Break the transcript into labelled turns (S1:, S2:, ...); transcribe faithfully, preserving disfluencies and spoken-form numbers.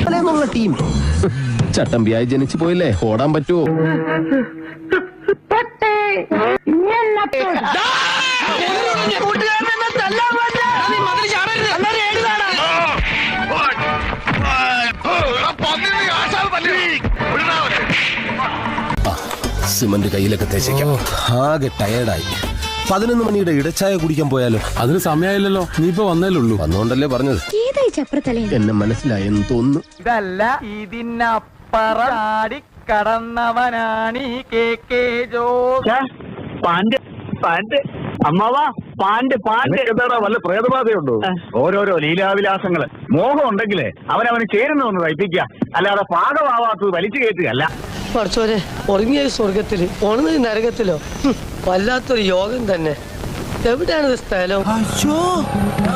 S1: എന്നുള്ള ടീം ചട്ടമ്പിയായി ജനിച്ചു പോയില്ലേ, ഓടാൻ പറ്റുമോ? സിമന്റ് കയ്യിലൊക്കെ തേച്ചേക്കാം. ആകെ ടയേർഡായി. പതിനൊന്ന് മണിയുടെ ഇടച്ചായ കുടിക്കാൻ പോയാലോ?
S2: അതിന് സമയമായില്ലല്ലോ, നീ ഇപ്പൊ വന്നേലുള്ളൂ.
S1: വന്നോണ്ടല്ലേ പറഞ്ഞത്. എന്നെ മനസ്സിലായെന്ന് തോന്നുന്നു.
S3: ഇതല്ല ഇതിനപ്പറടി കടന്നവനാണീ കെ കെ ജോസ്.
S4: പാണ്ട് പാണ്ട് അമ്മാവാ പാണ്ട് പാണ്ട് എന്താടാ വല്ല പ്രേതബാധയുണ്ടോ? ഓരോരോ ലീലാവിലാസങ്ങള്. മോഹം ഉണ്ടെങ്കിലേ അവനവന് ചേരുന്ന ഒന്ന് തയ്പ്പിക്കുക, അല്ലാതെ പാകമാവാത്തത് വലിച്ചു കയറ്റുകയല്ല.
S5: പഠിച്ചോരെ, ഉറങ്ങിയ സ്വർഗത്തില് ഉണർന്നത് നരകത്തിലോ? വല്ലാത്തൊരു യോഗം തന്നെ. എവിടെയാണ് സ്ഥലം?